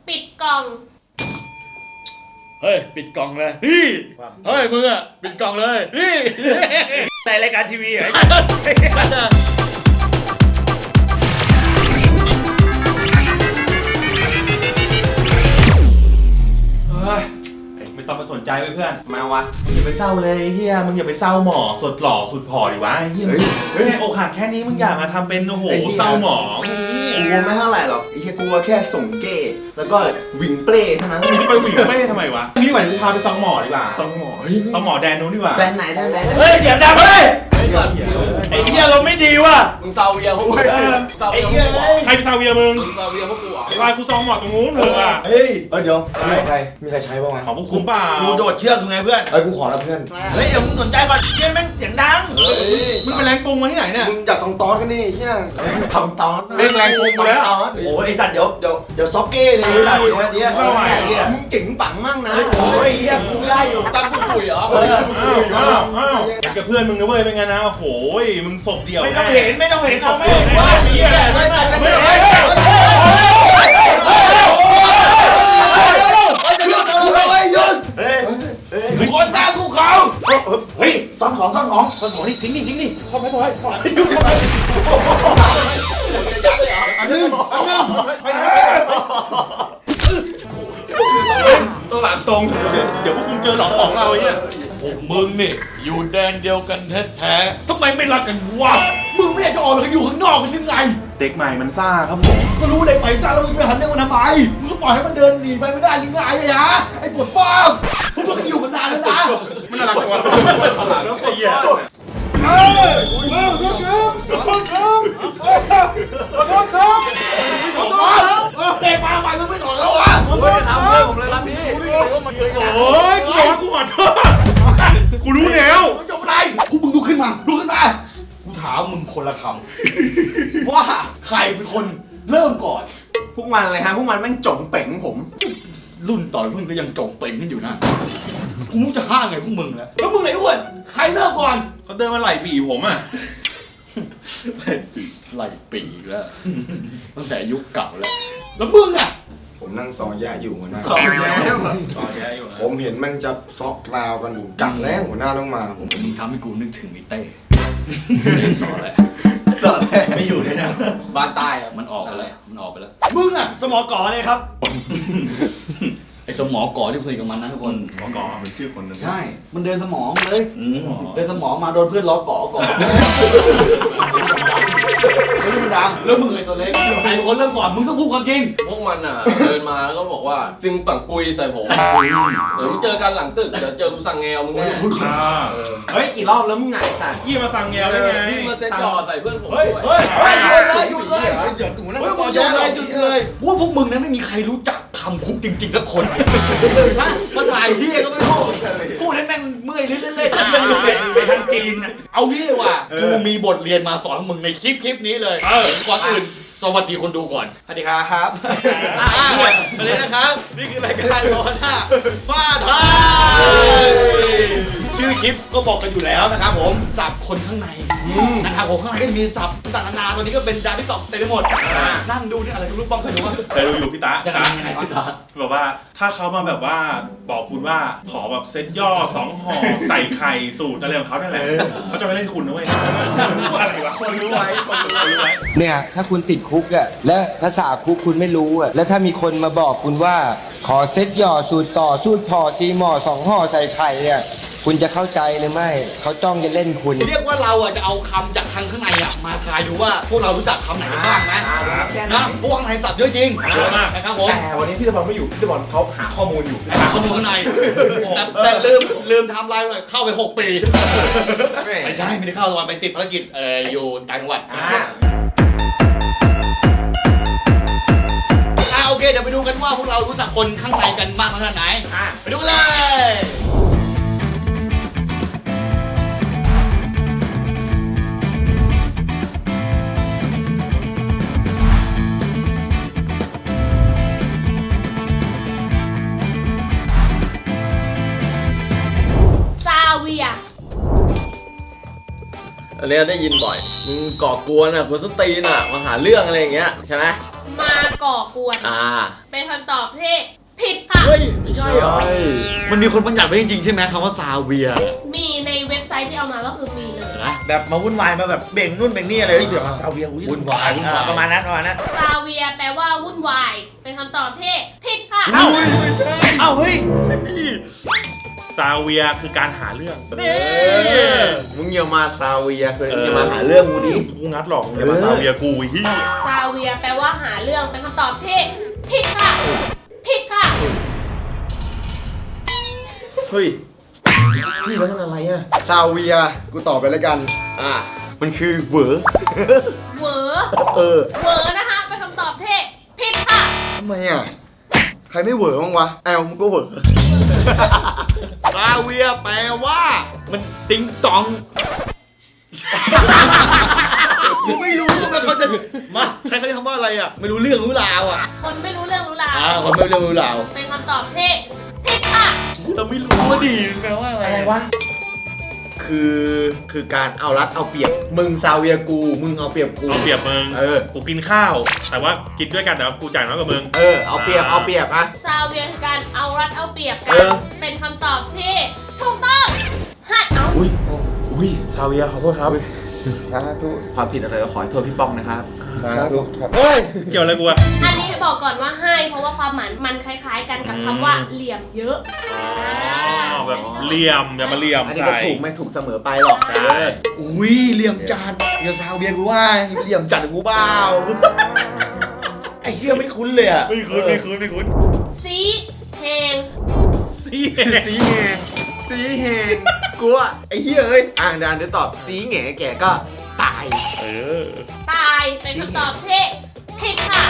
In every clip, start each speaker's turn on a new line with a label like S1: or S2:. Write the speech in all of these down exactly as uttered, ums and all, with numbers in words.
S1: ปิดกล่อง
S2: เฮ้ยปิดกล่องเลยนี่เฮ้ยมึงอ่ะปิดกล่องเลยนี่ในรายการทีวีเหรอไม่ต้องมาสนใจเพื่อน
S3: มาวะ
S2: มึงอย่าไปเศร้าเลยเฮียมึงอย่าไปเศร้าหมอสดหล่อสุดผอดิวะเฮียเฮ้ยอกหักแค่นี้มึงอย่ามาทำเป็นโอ้โหเศร้าหมอง
S3: กูไม่เท่าไหร่หรอกไอ้แค่กูแค่ส่งเก้แล้วก็วิ่งเปล่เท่านั้น
S2: มึงจะไปวิ่งเปล่ทำไมวะนี่หมายถึงพาไปซองหมอดีกว่า
S3: ซองหมอ
S2: ซองหมอแดนนู้นดีกว่า
S3: แดนไหนแดนไหน
S2: เฮ้ยเสียงดังเฮ้ยไอ้เหี้ยเราไม่ดีว่ะ
S4: มึงซาเวียพวกกู
S2: ไอ้เหี้ยใครเป็นซาเวียมึง
S4: ซาเวียพวกกูอ่ะ
S2: ไอ้วายกูซองหมอตรงนู้นเถอะอ่ะ
S3: เฮ้ยเดี๋ยวมีใครมีใครใช้บ้างวะ
S2: ของพวกคุณเปล่า
S3: กูโดดเชือกยังไงเพื่อนเอ้ยกูขอแล้วเพื่อน
S2: เฮ้ยเดี๋ยวมึงสนใจก่อนเหี้ยแม่งเสียงดังมึงเป็นแรงปรุงมาที่ไหนเนี่ย
S3: มึงจัดซองตอนกันนี่เชี่ยทำตอน
S2: เล่นแรงปรุงแล้ว
S3: โอ้ยไอสัตว์เดี๋ยวเดี๋ยวเดี๋ยวซ็อกเก้เลยเดี๋ยวเดี๋ยวเดี๋ยวมึงเก่งปังมั่งนะโอ้ยเฮียกูได้อยู่
S4: ตั้งกูปุ๋ยเหรอ
S2: อ้าวอ้าวกับเพื่อนมึงนะเว้ยเป็นไงนะโอ้โหมึงศพเดียวไม่ต้องเห็นไม่ต้องเห็นเอาไม่ว่าเฮียไม่ไม่ไม่คนตามกูเขา
S3: เฮ้ยซ่อนของซ่อนของ
S2: ซ่อนของนี่ทิ้งนี่ทิ้งนี่เข้าไปเข้าไปเข้าไปดูเข้าไปอันนี้ตัวหลังตรงเดี๋ยวพวกคุณเจอหลอกของเราเนี่ยพวกมึงนี่อยู่แดนเดียวกันแท้ๆทำไมไม่รักกันวะ
S3: มึงไม่อยากจะออกไปอยู่ข้างนอกเป็นยังไง
S2: เด็กใหม่มันซ่าครับผม
S3: ก็รู้เด็กใหม่ซ่าแล้วมึงไปหันเรื่องมันทำไมมึงก็ปล่อยให้มันเดินหนีไปไม่ได้ยังไงอะไอ้ปวดป้ามพวกมึงอยู่มานานแล้วนะ
S2: มันอะไรกันวะไอ้เหี้ยเฮ้ยขอโทษครับขอโทษครับขอโทษครับขอโทษครับ
S3: เด็กมาใหม่มึงไม่สอนแล้ววะ
S4: ผมไม่ได้ทำเลยผมเลยรับพี่
S2: โอ้ยกูบอกว่ากูขอโทษกูรู้แล้ว
S3: มึงจบอะไรกูมึงลุกขึ้นมาลุกขึ้นมากูถามมึงคนละคำว่าใครเป็นคนเริ่มก่อนพวกมันอะไรฮะพวกมันแม่งจ่องเป่งผมรุ่นต่อรุ่นก็ยังจ่องเป่งกันอยู่นะกูจะห้าไงพวกมึงแล้วแล้วมึงไหนอ้วนใครเริ่มก่อน
S2: เขาเดินมาไหล่ปีผมอ่ะ
S3: ไหล่ปีไหล่ปีแล้วตั้งแต่ยุคเก่าแล้วแล้วมึงอ่ะผมนั่งซอแย่อยู่หัวหน้าซอแย่ซอแย่อยู่ผมเห็นมันจะซอกกราวกันอยู่จัดแล้วหัวหน้าต้องมาผมมึงทำให้กูนึกถึงไอ้เต้ซอแหละซอแหละไม่อยู่เลยนะ
S4: บ้านใต้อะมันออกไปแล้วมันออกไปแล้ว
S3: มึงอ่ะสมอก่อเลยครับ
S4: ไอ้สมอก่อที่คุยกับมันนะทุกคน
S2: สมอก่อเป็นชื่อคนนึง
S3: ใช่มันเดินสมองเลยเดินสมองมาโดนเพื่อนล้อก่อก่อนแล้วมึงดังแล้วมึงเลยตัวเล็กใครคนเริ่มก่อนมึงต้องพูดความจริง
S4: พวกมันอ่ะเดินมาแล้วก็บอกว่าซิงปังกุยใส่ผมเดี๋ยวเจอกันหลังตึกเดี๋ยวเจอกูสั่งแงวมึงแน่
S3: เฮ้ยกี่รอบแล้วมึงไงสัตว์
S2: ยี่มาสั่งแงวได้ไง
S4: ยี่มาเซ็ตจอใส่เพื่อนผม
S3: ด้วยเฮ้ยเฮ้ยเลยหยุดเลยหยุดหัวหน้าซอยเลยหยุดเลยว่าพวกมึงนั้นไม่มีใครรู้จักคำคุกจริงๆสักคนมาถ่ายที่ก็ไม่พูดพูดให้แม่งเมื่อยลิ้นเล่นๆ
S2: ไปทางจีน
S3: เอางี้เลยว่ะกูมีบทเรียนมาสอนมึงในคลิปคลิปนี้เลยก่อนอื่นสวัสดีคนดูก่อนสวัสดีครับมาเลยนะครับนี่คือรายการร้อนหน้าบ้าไทยชื่อคลิปก็บอกกันอยู่แล้วนะครับผมสับคนข้างในนะครับผมข้างในก็มีสับต่างๆนานาตัวนี้ก็เป็นดาร์ที่ตอบเต็มไปหมดนั่งดูนี่อะไรก็รู้บ้างเคยดูว่า
S2: เคยดูอยู่พี่ตา
S3: ยังไงพี่ตา
S2: แบบว่าถ้าเขามาแบบว่าบอกคุณว่าขอแบบเซ็ตย่อสองห่อใส่ไข่สูตรอะไรของเขานั่นแหละเขาจะไม่เล่นคุณนะเว้ยอะไรวะคนรู้ไว้คนรู้ไว้
S5: เนี่ยถ้าคุณติดคุกอ่ะและภาษาคุกคุณไม่รู้อ่ะแล้วถ้ามีคนมาบอกคุณว่าขอเซ็ตย่อสูตรต่อสูตรพอซีหม้อสองห่อใส่ไข่เนี่ยคุณจะเข้าใจหรือไม่เขาจ้องจะเล่นคุณ
S3: เรียกว่าเราอ่ะจะเอาคำจากทางข้างในอ่ะมาทายดูว่าพวกเรารู้จักคำไหนบ้างนะนะพวกข้างในสับเยอะจริง
S2: เยอะมาก
S3: นะครับผม
S2: แต่วันนี้พี่ตะบอลไม่อยู่พี่ตะบอลเขาหาข้อมูลอยู่
S3: หาข้อมูลข้างในแต่ลืมลืมทำลายเข้าไปหกปีไม่ใช่ไม่ได้เข้าตะวันไปติดภารกิจเอออยู่ต่างจังหวัดโอเคเดี๋ยวไปดูกันว่าพวกเรารู้จักคนข้างในกันมากขนาดไหนไปดูกันเลย
S1: ซาเวีย
S4: เออันเนี้ยได้ยินบ่อยมึงก่อกวนอ่ะกวนส้นตีนอ่ะมาหาเรื่องอะไรอย่างเงี้ยใช่ไหม
S1: มาก่อกวน
S4: อ่า
S1: เป็นคำตอบที่ผิดค่ะ
S4: เฮ้ยไม่ใช่เหรอ
S3: มันมีคนบัญญัติไว้จริงๆใช่ไหมคำว่าซาเวีย
S1: มีในเว็บไซต์ที่เอามาก็คือมีเลย
S3: นะ
S6: แบบมาวุ่นวายมาแบบเบ่งนู่นเบ่งนี่อะไรที่เดี๋ยวมาซาเวีย
S3: วุ่นวายวุ่นวาย
S6: อ่ประมาณนั้นประมาณนั้น
S1: ซาเวียแปลว่าวุ่นวาย เป็นคำตอบที่ผิดค่ะ
S6: เอ้าเอ้าเฮ้ย
S2: ซาเวียคือการหาเรื่อง
S6: นี่มึงอย่ามาซาเวียคืออย่ามาหาเรื่องกูดิ
S2: กูงัดหรอกอย่ามาซาเวียกูไอ้เหี้ย
S1: ซาเวียแปลว่าหาเรื่อง เป็นคำตอบที่ผิดค่ะ ผิดค่ะ
S6: เฮ้ยนี่มันอะไรอะซาเวียกูตอบไปแล้วกัน
S4: อ่า
S6: มันคือเหวอ
S1: เหวอ
S6: เออ
S1: เหวอนะคะ เป็นคำตอบที่ผิดค่ะ
S6: ทำไมอะใครไม่เหวอบ้างวะแอลมึงก็เหวอ
S3: ซาเวียแปลว่า มันติงตองกูไม่รู้ว่าเขาจะมาใช้คำว่าอะไรอ่ะไม่รู้เรื่องรู้ราวอ่ะ
S1: คนไม่รู้เรื่องรู้ราว
S3: อ่าคนไม่รู้เรื่องรู้ราว
S1: เป็นคำตอบที่ผิดค่ะ
S3: เราไม่รู้ว่าดีแปลว่าอะไร
S6: อะไรวะคือคือการเอารัดเอาเปรียบมึงซาเวียกูมึงเอาเปรียบกู
S2: เอาเปรียบมึง
S6: เออ
S2: กูกินข้าว แต่ว่ากินด้วยกันแต่ว่ากูจ่ายน้อยกว่ามึง
S6: เออเอาเปรียบเอาเปรียบอะ
S1: ซาเวียคือการเอารัดเอาเปรียบกั
S6: เอน อ
S1: เป็นคำตอบที่ถูกต้องหัดเอา
S6: อุ้ยอุ้ย
S2: ซาเวียขอโทษครับ
S6: สาธุความผิดอะไรก็ขอให้โทษพี่ป้องนะครับสาธุครับเฮ้ย
S2: เกี่ยวอะไรกูอะ
S1: อันนี้บอกก่อนว่าให้ เพราะว่าความหมายมันคล้ายๆกันกับคำว่าเหลี่ยมเยอะ
S2: อ๋อแบบเหลี่ยมอย่ามาเหลี่ยม
S6: อันนี้ก็
S2: ใส่
S6: ถูกไม่ถูกเสมอไปหรอก
S2: ใช่
S6: อุ้ยเหลี่ยมจัดเหลี่ยมซาเวียกูว่าเหลี่ยมจัดกูเปล่าไอ้เหี้ยไม่คุ้นเลยอะ
S2: ไม่คุ้นไม่คุ้นไม่คุ้น
S1: สีแหง
S2: ซี
S6: สีแหงสีแหงกูอะไอ้เหี้ยเอ้ยอ่างดานเดี๋ยวตอบสีแหงแก่ก็ตาย
S2: เออ
S1: ตายเป็นคำตอบที่ผิดค่ะ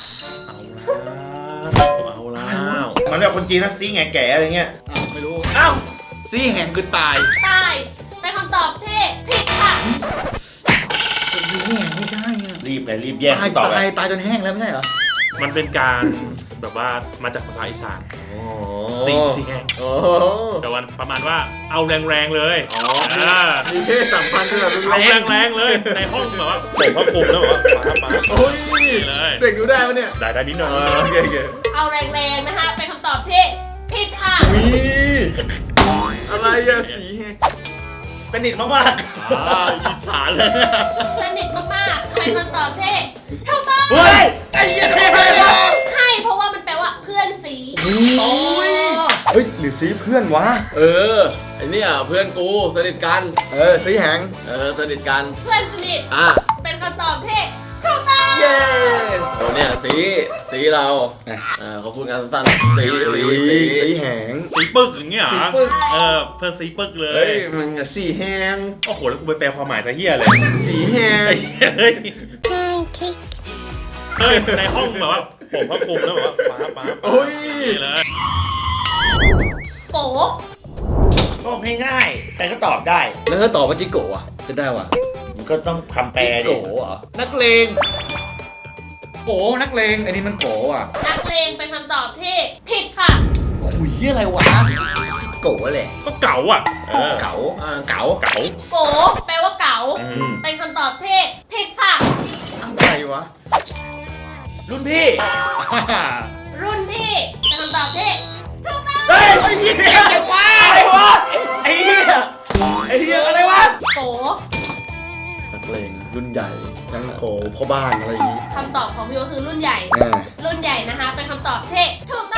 S2: เอาละเอาละ
S6: มันแบบคนจีนนะสีแหงแก่อะไรเงี้ย
S3: อ้าวไม่รู้
S6: อ้าว
S3: ซีแหงคือตาย
S1: ตายเป็นคำตอบที่ผิดค่ะ
S3: สีแหงไม่ใช่อะ
S6: รีบเลยรีบแย่ง
S3: ตาย
S6: ตอบ
S3: ตา
S6: ไป
S3: ยตายจนแห้งแล้วไม่ใช่เหรอ
S2: มันเป็นการแบบว่ามาจากภาษาอีสานซีซีแห้ง
S6: โอ้
S2: แต่วันประมาณว่าเอาแรงๆเลย
S6: อ๋อ
S2: เออ
S6: มีเพศสัมพันธ์ด้วยเหรอ
S2: เอาแรงๆเลยในห้องแบบว่าผมว่าปุ่มแล้วแบบว่ามามา
S6: โอ้ย
S2: เลย
S6: เด็กดูได้ปะเนี่ย
S2: ได้ได้นิดหน่อย
S6: โอเคโอเค
S1: เอาแรงๆนะคะ เป็นคำตอบที่ผิดค่ะ
S6: มีอะไรอะสีแหงสนิทมาก
S2: อ่าอีสานเลย
S1: สนิทมากๆ เป็นคำตอบที่ถูกต้อง
S6: ๆเฮ้ยไอ้เหี้ยไม่ได้หรอก
S1: ให้เพราะว่ามันแปลว่าเพื่อนสี
S6: โอ้ยเฮ้ยหรือสีเพื่อนวะ
S4: เออไอเนี่ยเพื่อนกูสนิทกัน
S6: เออสีแหง
S4: เออสนิทกัน
S1: เพื่อนสนิท
S4: อ่ะ
S1: เป็นคำตอบที่ถูกต้อง
S4: เย้โอ้เนี่ยสีสีเราเออเขาพูดกันสั้นๆสีสีสี
S6: สีแหง
S2: สีปึกอย่างเงี้ยเหรอ
S6: สีปึก
S2: เออเพื่อนสีปึกเล
S6: เฮ้
S2: ย
S6: ยมันอะสีแหง
S2: โอ้โหแล้วกูไปแปลความหมายซะเหี้ยเลย
S6: สีแหง
S2: ไอ้เหี้ยเฮ้ยเฮ้ยในห้องแบบว่าผมก็คุมแล้วแบบว่าป๊าป๊าป๊า
S6: โอ้ย
S2: นี่เลย
S1: โก
S6: ก็ง่ายๆแต่ก็ตอบได้
S3: แล้วถ้าตอบว่าจิโกะอ่ะจะได้วะ
S6: มันก็ต้องคำแปล
S3: จิ
S6: ดิ
S3: โกะเหรอนักเลงโกนักเลงอันนี้มันโกอ่ะ
S1: นักเลงเป็นคำตอบที่ผิดค่ะ
S3: ขุยอะไรวะโกะแหละ
S2: ก็เก๋าอ่ะเออ
S3: เก๋าอ่าเก๋า
S2: เก๋า
S1: โกแปลว่าเก๋า
S2: อืม
S1: เป็นคำตอบที่ผิดค่ะ
S6: อะไรวะ รุ่นพี่
S1: รุ่นพี่เป็นคำตอบที่ถูกต้อง
S6: เฮ้ยไอ้เหี้ยอะไรวะอะไรวะไอ้เหี้ยไอ้เหี้ยอะไรวะ
S1: โก
S3: นักเลงรุ่นใหญ่
S6: นังโกพ่อบ้านอะไรอย่างงี้
S1: คำตอบของพี่ก็คือรุ่นใหญ่
S6: อ่า
S1: รุ่นใหญ่นะคะ เป็นคำตอบที่ถูกต้อง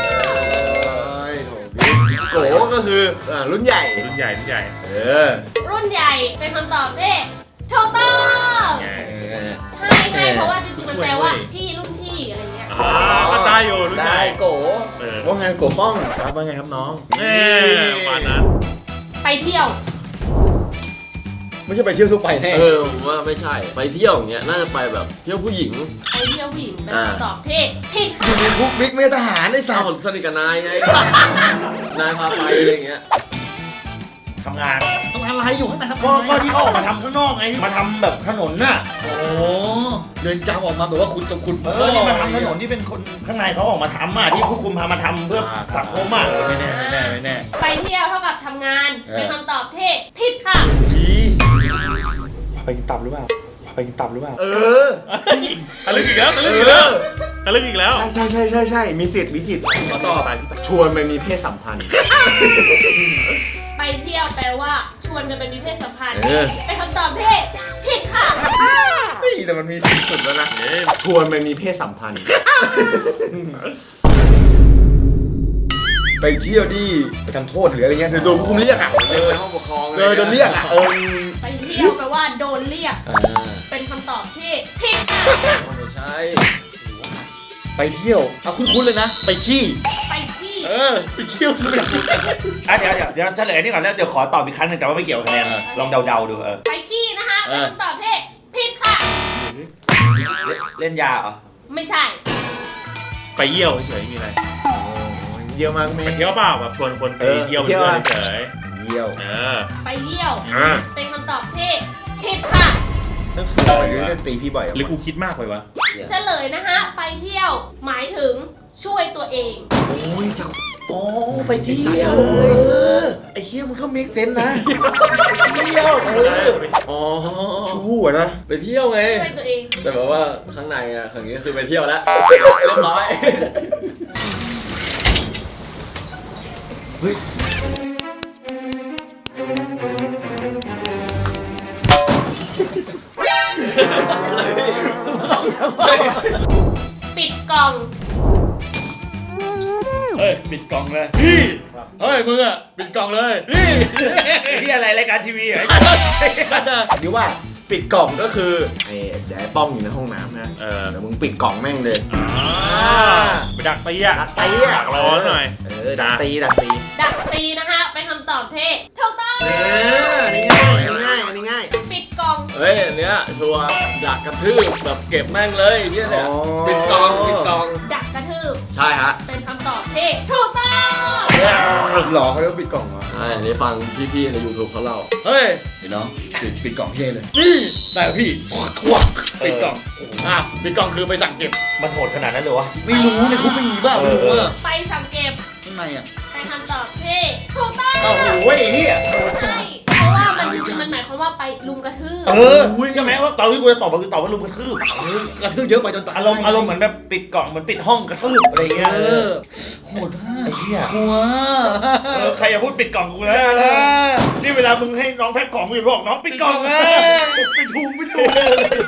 S6: โกก็คืออ่ารุ่นใหญ่
S2: รุ่นใหญ่รุ่นใหญ่
S6: เออ
S1: รุ่นใหญ่เป็นคำตอบที่ถูกต้อง
S2: ใหญ่
S1: ให้ให้เพราะว่าจริงๆมันแปลว่าพี่รุ่นพี่อะไรเงี้ย
S2: อ่าก็ได้อยู่รุ่นให
S6: ได้
S2: ญ่
S6: โก
S2: เออ
S6: ว่าไงโกป้อง
S2: ครับว่าไงครับน้องเน่ประมาณนั้น
S1: ไปเที่ยว
S6: ไม่ใช่ไปเที่ยวทั่วไปแน่
S4: เออผมว่าไม่ใช่ไปเที่ยวอย่างเงี้ยน่าจะไปแบบเที่ยวผู้หญิง
S1: ไปเที่ยวผู้หญิงเป็น
S4: อ่า
S1: คำตอบที่ผิด
S6: อ
S1: ค่ะ
S6: ยู่ในคุกบิ๊กไม่ใช่ทหารไอ้สั
S4: สา
S6: ต
S4: ว
S6: ว์
S4: สนิทกับนายไง นายพาไปอะไรอย่างเงี้ย
S6: ทำงาน
S3: ต้องอะไรอยู่ข้างในครับ
S6: ก็ก็ที่เขาออกมาทำข้างนอกไงมาทำแบบถนนน่ะ
S3: โอ้เดินจำออกมาแบบว่าคุณจะคุณ
S6: เออที่มาทำถนนที่เป็นคนข้างในเขาออกมาทำอ่ะที่ผู้คุมพามาทำเพื่อสังคมอ่ะ
S3: ไม่แน่ไม่แน่ไม่แน่
S1: ไปเที่ยวเท่ากับทำงาน
S3: เออ
S1: เป็นคำตอบที่ผิดค่ะ
S6: จีไปกินตับหรือเปล่าไปกินตับหรือเปล่าเออ
S2: ตะลึกอีกแล้วตะลึกอีกแล้วตะลึกอีกแล้ว
S6: ใช่ใช่ใช่ใช่มีสิทธิ์มีสิทธิ์ขอต่อไปชวนไปมีเพศสัมพันธ์
S1: ไปเที่ยวแปลว่าชวนกันไปมีเพศสัมพันธ์
S6: เออ
S1: เป็นคำตอบที่ผิดค่ะ
S6: นี่แต่มันมีสิทธิ์สุดแล้วนะชวนไปมีเพศสัมพันธ์ ไปเที่ยวดิไปทำโทษหรืออะไรเงี้ยเธอโดนผู้คุมเรียกอ่ะ
S3: เออห้องปกครอง
S6: เออโดนเรียกอ่ะเออ
S1: ไปเที่ยวแปลว่าโดนเรียก
S3: อ่า
S1: เป็นคำตอบที่ผิดค่ะ
S3: ไม่ใช่
S6: ไปเที่ยวเอาคุ้นๆเลยนะ ไปขี้
S1: ไปที่
S6: เออไปเที่ยวคือไปขี้
S7: อ่ะเดี๋ยวเดี๋ยวเดี๋ยวเฉลยนี่ก่อนแล้วเดี๋ยวขอตอบอีกครั้งหนึงแต่ว่าไม่เกี่ยวกับคะแนนลองเดาๆดูเออ
S1: ไปขี้นะคะเป็นคำตอบที่ผิดค่ะ
S7: เล่นยาเหรอ
S1: ไม่ใช่
S2: ไปเยี่ยวเฉยๆมีอะไร
S6: เยี่ยวมากแม่
S2: ไปเที่ยวเปล่าแบบชวนคนไป
S6: เออ
S2: เยี่ยว
S6: เที่ยว
S2: เพื่อ
S6: อะ
S2: นเฉย
S6: เยี่ยว
S2: ๆเออ
S1: ไปเยี่ยว
S2: อ่า
S1: เป็นคำตอบที่ผิดค่ะ
S6: นั่นคืออะไรหรือจะตีพี่บ่อยอ่ะ
S2: หรือกูคิดมากไปวะ
S1: เฉลยนะคะ ไปเที่ยวหมายถึงช่วยตัวเอง
S6: โอ้ยเจ้าโอ้ไปเที่ยวเออไอ้เที่ยวมันก็เมคเซนนะไปเที่ยวเออ
S3: อ๋อ
S6: ชู้อ่ะนะ
S3: ไปเที่ยวไง
S1: ช่วยตัวเอง
S3: แต่แบบว่าข้างในอะอย่างนี้คือไปเที่ยวแล้ว เรียบร้อย
S1: ปิดกล่อง
S3: เฮ้ยปิดกล่องเลยพี่เฮ้ยมึงอะปิดกล่องเลยพี่
S7: ที่อะไรรายการทีวีเหรอ
S6: หรือว่าปิดกล่องก็คือไอ้เดี๋ยวไอ้ป้องอยู่ในห้องน้ำนะ
S2: เออ
S6: เดี๋ยวมึงปิดกล่องแม่งเลย
S2: อ่าไปดักตีอ่ะ
S6: ดักตีอ่ะ
S2: ดักร้อนหน่อย
S6: เออดักตีดักตี
S1: ดักตีนะคะ เป็นคำตอบที่ถูกต้อง
S6: เอออันนี้ง่ายอันนี้ง่ายอันนี้ง่าย
S1: ปิดกล่อง
S3: เฮ้ยอันเนี้ยชัวร์ดักกระทืบแบบเก็บแม่งเลยเนี่ยเนี่ย
S6: อ๋อ
S3: ปิดกล่องปิดกล่อง
S1: ดักกระทืบ
S3: ใช่ฮะ
S1: เป็นคำตอบที่ถูกต้อง
S6: หลอกเขาเรียกว่าปิดกล่องเหรอ
S3: ใช่อันนี้ฟังพี่ๆใน YouTube เขาเล่า
S6: เฮ้ยเดี๋ยวน้องปิดปิดกล่องพี่เลยนี่ได้เหรอพี่ควักปิดกล่องอ่ะปิดกล่องคือไปสั่งเก็บ
S7: มันโหดขนาดนั้นเลยวะ
S6: ไม่รู้ในคุกไม่มีบ้าไม่รู้เออ
S1: ไปสังเกต
S6: ข้างในอ่ะ
S1: เป็นคำตอบที่ถูกต้อง
S7: โอ้โหไอ้เหี้ย
S1: ใช่ เพราะว่ามันจริงๆมันหมายความว่าไปลุมกระทืบ
S7: เออใช่ไหมว่าตอนที่กูจะตอบมันคือตอบว่าลุมกระทืบ
S6: กระทืบเยอะไปจนตาย
S7: อารมณ์อารมณ์เหมือนแบบปิดกล่องเหมือนปิดห้องกระทืบอะไรเงี้ย
S6: เอ
S7: เอ
S6: อ
S7: อ
S6: โหดมาก
S7: ไอ้เหี้ย
S6: กลัว
S7: เออใครอย่าพูดปิดกล่องกูนะนี่เวลามึงให้น้องแพ็คของมึงอย่าบอกน้องปิดกล่องนะ
S6: ไปถูกไม่ถูก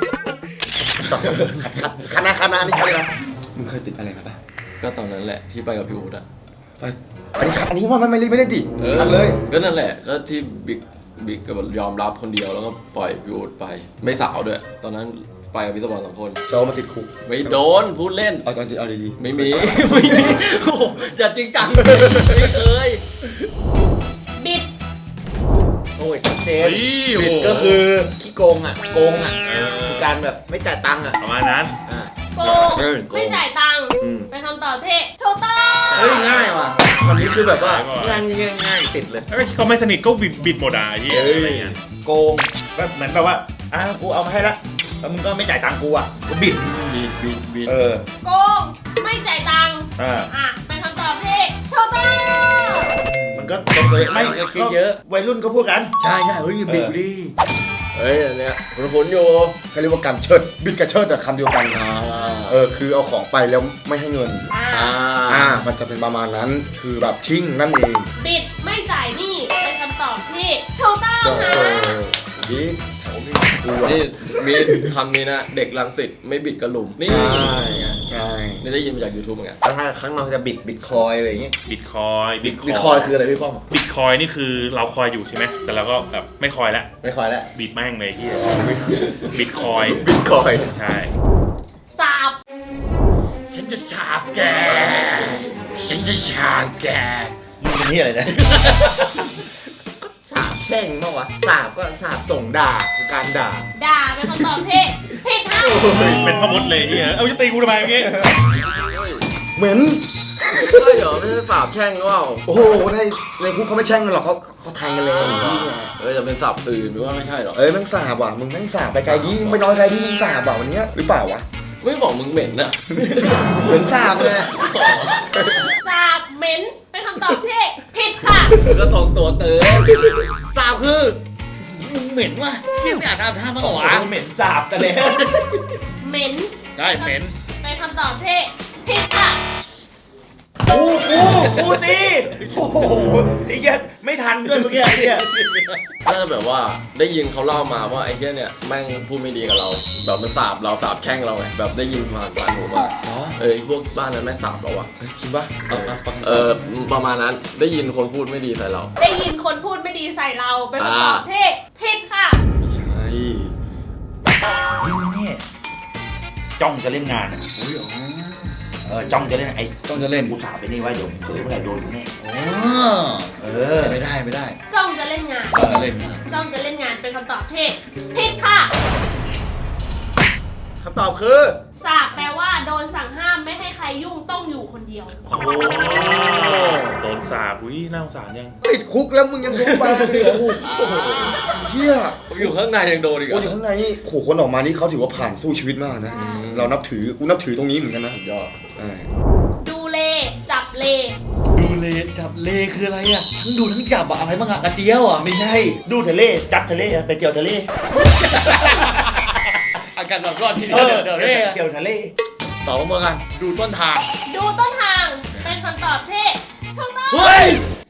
S6: คณะคณะนี่ใครนะมึงเคยติดอะไรมาปะ
S3: ก็ตอนนั้นแหละที่ไปกับพี่อู๊ดอะ
S6: ไปอันนี้อันนี้ว่าไม่ไม่เล่นไม่เล่นดิ
S3: เออ
S6: คันเลย
S3: ก็นั่นแหละก็ที่บิ๊กบิ๊กก็แบบยอมรับคนเดียวแล้วก็ปล่อยพี่อู๊ดไป ไม่สาวด้วย ตอนนั้นไปกับพี่สปอนสองคน
S6: โชว์มาติดคุก
S3: ไม่โดนพูดเล่น
S6: เอาตอนเอาดี
S3: ไม่มี ไม่มีโอ้โหอย่าจริงจังไม่เคย
S1: บิด
S6: ๆโอ้ยชัดเจน
S2: เฮ้ยโอ้
S6: บิ
S2: โห
S6: ดก็คือขี้โกงอ่ะโกงอ่ะ
S2: เออ
S6: คือการแบบไม่จ่ายตังค์อ่ะ
S2: ประมาณนั้น
S6: อ่า
S1: โกง
S6: เออโกง
S1: ไม่จ่ายตังค์
S6: อืม
S1: เป็นคำตอบที่ถูกต้อง
S6: เฮ้ยง่ายว่ะวันนี้คือแบบว่า
S2: ง่า
S6: ง่าย ยง่ายง่ายติดเลย
S2: แล้วก็ไม่สนิทก็บิดบิดหมดอ่ะไอ้เหี้ยอะไรเงี้ย
S7: โกงแบบเหมือนแบบว่าอ่ะกูเอามาให้ละแล้วมึงก็ไม่จ่ายตังค์กูอ่ะกูบิด
S3: บีดบีดบีด
S7: เออ
S1: โกงไม่จ่ายตังค์
S7: อ่า
S1: อ่ะ เป็นคำตอบที่ถูกต้อง
S7: มันก็ตรงเลยไม่
S6: ก็คิดเยอะ
S7: วัยรุ่นก็พูดกัน
S6: ใช่ใช่เฮ้ยบิดดิ
S3: เฮ้ยอันเนี้ยคุ้นๆอยู่
S6: เขาเรียกว่าการเชิดบิดกับเชิดอะคำเดียวกัน
S3: อ่า
S6: เออคือเอาของไปแล้วไม่ให้เงิน
S1: อ่า
S3: อ่า
S6: อ่ามันจะเป็นประมาณนั้นคือแบบชิ่งนั่นเอง
S1: บิดไม่จ่ายหนี้เป็นคำตอบที่ถูกต้อง
S6: ก็
S1: ค่ะ
S6: เออดิกูอะ
S3: นี่มีคำนี้นะ เด็กรังสิตไม่บิดกระหลุม นี่
S6: ใช่ใช่
S3: นี่ได้ยินมาจาก YouTube เหมือนกัน
S6: ถ้าข้างนอกจะบิดบิตคอยอะไรอย่างเงี้ย
S2: บิตคอยบิต
S6: บิตคอยคืออะไรพี่ป้อม
S2: บิตคอยนี่คือเราคอยอยู่ใช่ไหมแต่เราก็แบบไม่คอยแล้ว
S3: ไม่คอยแล้ว
S2: บิดแม่งเลยที่บิตคอย
S6: บิตคอย
S2: ใช่
S1: สาบ
S6: ฉันจะฉาบแก ฉันจะฉาบแก
S7: มึงเป็นที่อะไรนะ
S6: สาบแช่งมากวะสาบก็สาบส่งด่าคือการด่า
S1: ด่าเป็นคำตอบที่ผิดค่ะ
S2: เป็นพ่อมดเลยที่เอาจะตีกูทำไมเมื่อกี้
S6: เหมือน
S3: ใช่เหรอ ไม่ใช่สาบแช่งหรือเปล่า
S6: โอ้โหในในคุกเขาไม่แช่งกันหรอกเขาเขาแทงกันเลย
S3: เออจะเป็นสาบอื่นหรือว่าไม่ใช่หรอ
S6: เอ้ยแม่งสาบว่ะมึงแม่งสาบไปไกลดิไม่น้อยใครที่มึงสาบว่ะวันเนี้ยหรือเปล่าวะ
S3: ไม่บอกมึงเหม็นนะ
S6: เหมือนสาบเลย
S1: สาบเหม็นเป็นคำตอบที่ผิดค่ะ
S3: ก็ตรงตัวเตอ
S6: สาบคือมึง
S3: เหม็นว่ะเที่ยไม่อาบน้ำท่ามั้งเหรอวะ
S6: เหม็นสาบกันแล้ว
S1: เหม็น
S3: ใช่เหม็น
S1: เป็นคำตอบที่ผิดค่ะ
S6: กูกูกูตีโอ้โหไอ้เหี้ยไม่ทันด้วยเมื่อกี้ไอ้เหี้ย
S4: ถ้าแบบว่าได้ยินเขาเล่ามาว่าไอ้เหี้ยเนี่ยแม่งพูดไม่ดีกับเรา แบบมันสาบเราสาบแช่งเราไงแบบได้ยินมาผ่านหูมาเอ้ยพวกบ้านนั้นแม่งสาบเราวะ
S6: คิดว่าเอามาฟัง
S4: เออประมาณนั้นได้ยินคนพูดไม่ดีใส่เรา
S1: ได้ยินคนพูดไม่ดีใส่เรา เป็นคำตอบที่ผิดค่ะ
S6: ใช่นี่นี่จ้องจะเล่นงานอ่ะเออจ้องจะเล่นไอ้
S3: ต้องจะเล่น
S6: กูสาบไปนี่ไว้เดี๋ยวเผยเมื่อไหร่โดนกูแน่
S3: โอ้
S6: เออ
S3: ไม่ได้ไม่ได้
S1: จ้องจะเล่นงาน
S3: ต้องจะเล่นนะ
S1: จ้องจะเล่นงานเป็นคำตอบที่ผิดค่ะ
S6: คำตอบคือ
S1: สาบแปลว่าโดนสั่งห้ามไม่ให้ใครยุ่งต้องอยู่คนเดียว
S2: โอ้โดนสาบอุ้ยน่าสงสารยัง
S5: ติดคุกแล้วมึงยังลงมาเลยเหรอเฮีย
S4: อยู่ข้างในยังโดนอีก
S5: โอ้
S4: อ่ะ
S5: ยอยู่ข้างในนี่โหคนออกมานี่เขาถือว่าผ่านสู้ชีวิตมากนะ
S1: ใช่
S5: เรานับถือ กูนับถือตรงนี้เหมือนกันนะ
S4: ยอด
S5: ใช่
S1: ดูเล จับเล
S3: ดูเลจับเลคืออะไรอ่ะทั้งดูทั้งจับอะอะไรบ้างอะกระเจียวอะไม่ใช่
S6: ดูทะเลจับทะเลไปเจียวทะเล
S3: อาการแบบรอดที
S6: เอ
S3: เดียว
S6: อ
S3: เดี๋ยวเร่
S6: เจียวทะเล
S3: ต่อมาเมื่อกันดูต้นทาง
S1: ดูต้นทางเป็นคำตอบที่ถูกต้อง
S6: เฮ้ย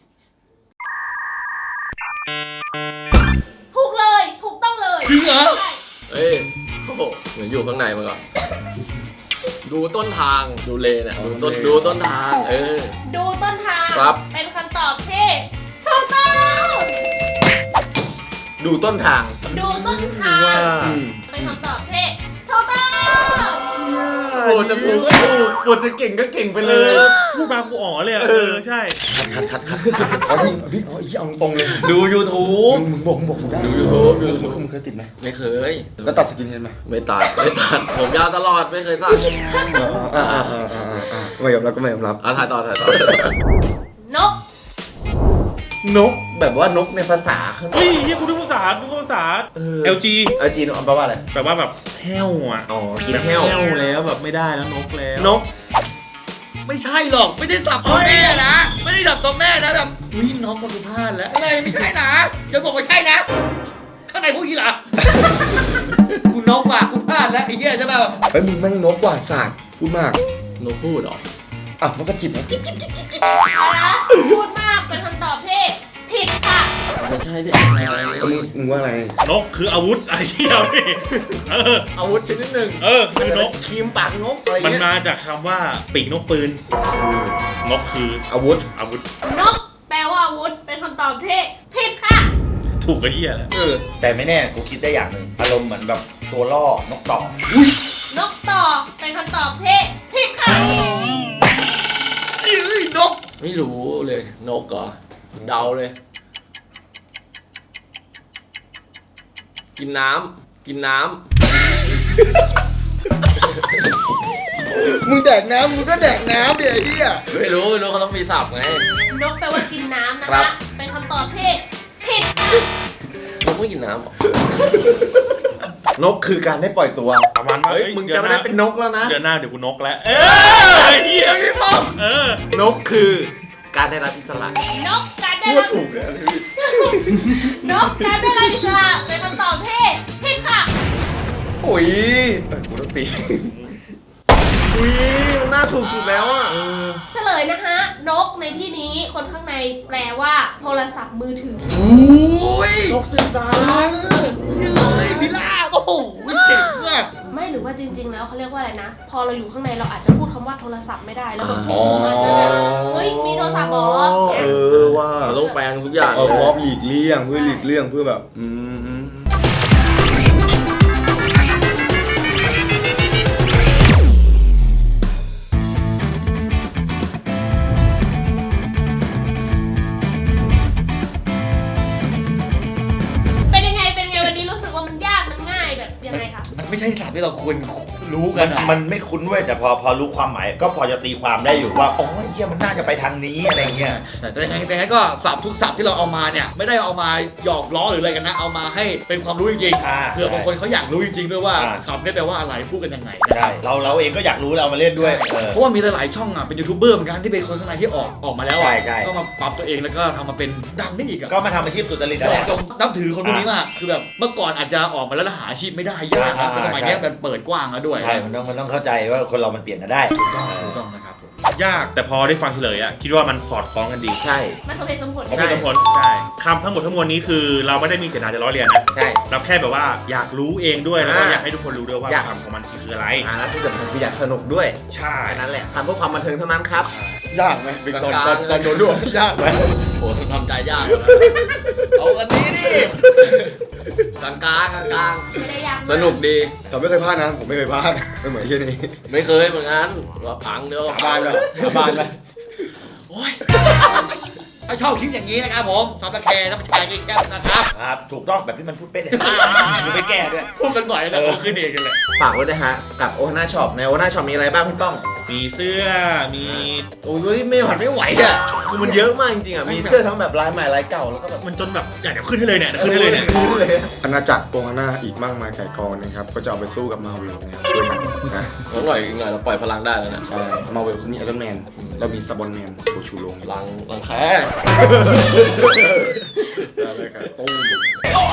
S1: ถูกเลยถูกต้องเลย
S3: จริงเหรอ
S1: ใช่
S4: เอ้ยโอ้โหเหมือนอยู่ข้างในมาก่อนดูต้นทางดูเลเนี่ยดูต้นดูต้นทางเออ
S1: ดูต้นทาง
S4: ครับ
S1: เป็นคำตอบที่ถูกต้อง
S5: ดูต้นทาง
S1: ดูต้นทาง
S5: อืม
S1: เป็นคำตอบที่ถูกต้อง
S5: โอ้จะถูกก็ถูกบทจะเก่งก็เก่งไป
S2: เอ
S5: เลย
S2: อพูดมากูอ๋อเลยอะเออใช่
S5: คัดคัดคัดคัดคัดอ๋อพี่พี่อ๋ออีเอาตรงๆเลย
S4: ดู YouTube
S5: มึงมึงบอกมึงบอกกูได้
S4: ดู YouTube ดู
S5: มึง
S4: YouTube
S5: มึงเคยติดไหม
S4: ไม่เคย
S5: แล้วตัดสกินเฮดไหม
S4: ไม่ตัดไม่ตัดผมยาวตลอดไม่เคยสั้น
S5: อ่าอ่าอ่าอ่าอ่าไม่ยอมรับก็ไม่ยอมรับ
S4: อ่ะถ่ายต่อถ่ายต่อน
S1: ก
S5: นกแบบว่านกในภาษาเขา
S2: เฮ้ยเฮียกูนึกภาษานึกภาษา แอล จี
S5: เออจีนแปลว่าอะไร
S2: แปลว่าแบบแห้วอ่ะ
S5: อ๋อกิน
S2: แบบ
S5: แห้ว
S2: แล้วแบบไม่ได้แล้วนกแล้ว
S5: นก
S3: ไม่ใช่หรอกไม่ได้สับตัวแม่นะไม่ได้สับตัวแม่นะแบบอุ้ยน้องคนสุภาพแล้วอะไรไม่ใช่นะจะบอกว่าใช่นะข้างในพวกยี่หล่ะ กูน้องกว่ากูพลาดแล้วไอ้เหี้ยใช่ป่ะ
S5: เฮ้ยมึงแม่งนกกว่าศาสตร์พูดมาก
S4: นกพูดเหรอ
S5: อ่ะมันก็จิบนะ
S1: อะไรนะพูดมากเป็นคำตอบที่ผิดค่ะ
S4: ไม่ใช่ดิ
S5: มึงมึงว่าอะไร
S2: นกคืออาวุธอะไรที่เราดิเออ
S4: อาวุธชนิดหนึ่ง
S2: เออคือนก
S5: ครีมปากนกอะไร
S2: มัน
S5: เงี้ย
S2: มาจากคำว่าปีกนกปืน นกคือ
S5: อาวุธ
S2: อาวุธ
S1: นก แปลว่าอาวุธเป็นคำตอบที่ผิดค่ะ
S2: ถูกกับเหี้ยแหละ
S5: เออ
S6: แต่ไม่แน่กูคิดได้อย่างหนึ่งอารมณ์เหมือนแบบตัวล่อนกต่อ
S1: นกต่อเป็นคำตอบที่ผิดค่ะ
S3: นก
S4: ไม่รู้เลยนกเหรอเดาเลย กินน้ำกินน้
S5: มึงแดกน้ำมึงก็แดกน้ำเดี๋ยวไอ้เหี้ย
S4: ำไม่รู้ไม่รู้เขาต้องมีศัพท์ไง
S1: นกแปลว่ากินน้ำนะ
S4: ครั
S1: คะ
S4: บ
S1: เป็นคำตอบที่ผิดค่ะ
S4: นกไม่กินน้ำเหรอ
S5: นกคือการได้ปล่อยตัว
S2: ประมาณว่า
S5: เฮ้ยมึงจะไม่ได้เป็นนกแล้วนะ
S2: เดือนหน้าเดี๋ยวกูนกแล้ว เออเฮียพี่พ่อเออ
S5: นกคือการได้รับอิสระ
S1: นกการได้รับถูกนกการได้รับอิสระเป็นคำตอบที่ผิดค่ะ
S5: โอ้ยเออกูต้องตีอุ้ยมันน่าถูกสุดแล้วอ่ะ
S1: เฉลยนะคะ นกในที่นี้คนข้างในแปลว่าโทรศัพท์มือถือ
S3: อุ้ย
S5: นกสื่อสาร
S3: เฮ้ยพี่ลาบโอ้โหเจ๋งมาก
S1: ไม่หรือว่าจริง ๆ แล้วเขาเรียกว่าอะไรนะ พอเราอยู่ข้างในเราอาจจะพูดคำว่าโทรศัพท์ไม่ได้แล้วบางทีมันจะแบบเฮ้ยมีโทรศัพท์เหรอ
S5: เออว่า
S4: เราต้องแปลงทุกอย่าง
S5: เออ
S4: เล
S5: เพ
S4: ย
S5: ราะหลีกเลี่ยงเพื่อหลีกเลี่ยงเพื่อแบบอืมอืม
S1: เป็นยังไงเป็นยังไงวันนี้รู้สึกว่ามันยากมันง่ายแบบยังไงคะ
S3: มันไม่ใช่สัตว์ที่เราควรรู้กั
S6: มัน น
S3: อะ
S6: มันไม่คุ้นเว้ยแต่พอพอรู้ความหมายก็พอจะตีความได้อยู่ว่าอ๋อไอ้เหี้ยมันน่าจะไปทางนี้อะไรเงี้ย
S3: แต่ยังไงแต่ยังไงก็สับทุกสับที่เราเอามาเนี่ยไม่ได้เอามาหยอกล้อหรืออะไรกันนะเอามาให้เป็นความรู้จริง
S6: อ่า
S3: ๆเผื่อบางคนเขาอยากรู้จริงๆด้วยว่า
S6: อ่า
S3: คำนี้แปลว่าอะไรพูดกันยังไงนะค
S6: ใช่
S3: รับ
S6: เราเราเองก็อยากรู้เราเอามาเล่นด้วยเออ
S3: เพราะว่ามีหลายๆช่องอ่ะเป็นยูทูบเบอร์เหมือนกันที่เป็นคนข้างในที่ออกออกมาแล้ว
S6: ใช่
S3: อ่ะ
S6: ใช่
S3: ก็มาปรับตัวเองแล้วก็ทำมาเป็นดังได้อีกอ่ะ
S6: ก็มาทำอาชีพสุจริตนั่นแหละ
S3: จงนับถือคนพวกนี้มากคือแบบเมื่อก่อนอาจจะออกมาแล้วหาอาชีพไม่ได้ยากนะ
S6: อ่า
S3: แต่สมัย
S6: ใช่
S3: เนี้ยมันเปิดกว้างแล้วด้วย
S6: ใช่มันต้องมันต้องเข้าใจว่าคนเรามันเปลี่ยนกันได้
S3: ถูกต้องถูกต้องนะครับผม
S2: ยากแต่พอได้ฟังเฉลยอะคิดว่ามันสอดคล้องกันดี
S8: ใช่
S1: มันสมเหตุสมผล
S2: เพราะเป็นทุกคนใช่คำทั้งหมดทั้งมวลนี้คือเราไม่ได้มีเจตนาจะล้อเลียนนะ
S8: ใช่
S2: เราแค่แบบว่าอยากรู้เองด้วยแล้วก็
S8: อ่า
S2: อยากให้ทุกคนรู้ด้วยว่า
S8: อยาก
S2: คำของมันคืออะไร
S8: อ่าแล้วที่สำคัญคืออยากสนุกด้วย
S2: ใช่
S8: แค่นั้นแหละทำเพื่อความบันเทิงเท่านั้นครับ
S3: ยากไหมเป็นตอน
S4: ก
S3: ต
S4: ลา
S3: อน
S4: งๆ
S3: ตอนโดนด้วยยากไหมโหทำใจยากแล้วนะเอาอันนี้ดิ
S4: กลางกลางกลางกลาง
S1: ไม่ได้ยาก
S4: สนุกดี
S3: แต่ไม่เคยพลาดนะผมไม่เคยพลาดไม่เหมือนที่นี่
S4: ไม่เคยเหมือนกันว่าพังเดียว
S3: สาบานเลยสาบานเลยโอ้ยถ้าชอบคลิปอย่างนี้นะครับผมชอบตะแคร์ถ้าเป็นชายแคบนะครับ
S6: ครับถูกต้องแบบที่มันพูดเป๊ะเลยอยู่ไปแก้ด้วย
S3: พูดกันบ่อยแล้วก็ขึ้นเองกันเลย
S8: ฝากไว้ด้วยฮะ กับโอฮาน่าช็อปในโอฮาน่าช็อปมีอะไรบ้างพี่ป้อง
S2: มีเสื้อมี
S8: โอ้ยไม่หวัดไม่ไหวอ่ะคือมันเยอะมากจริงๆอ่ะ มีเสื้อทั้งแบบลายใหม่ลายเก่าแล้วก็แบบ
S2: มันจนแบบอยากเดี๋ยวขึ้นให้เลยเนี่ยเดี๋ยวขึ้นให้เลยเนี่ย
S9: อาณาจักรโอฮาน่าอีกมากมายไก่กองนะครับ ก็จะเอาไปสู้กับมาเวลนะครับด้วยกันนะ
S4: อร่อยอีกหน่อยเราปล่อยพลังได้แล้วนะ
S9: ใช่มาเวลคือมีไอรอนแมนแล้วมีซาบอนแมนโคชูโรง
S4: ลังลังแค่
S9: ได้เลยครับตู้ม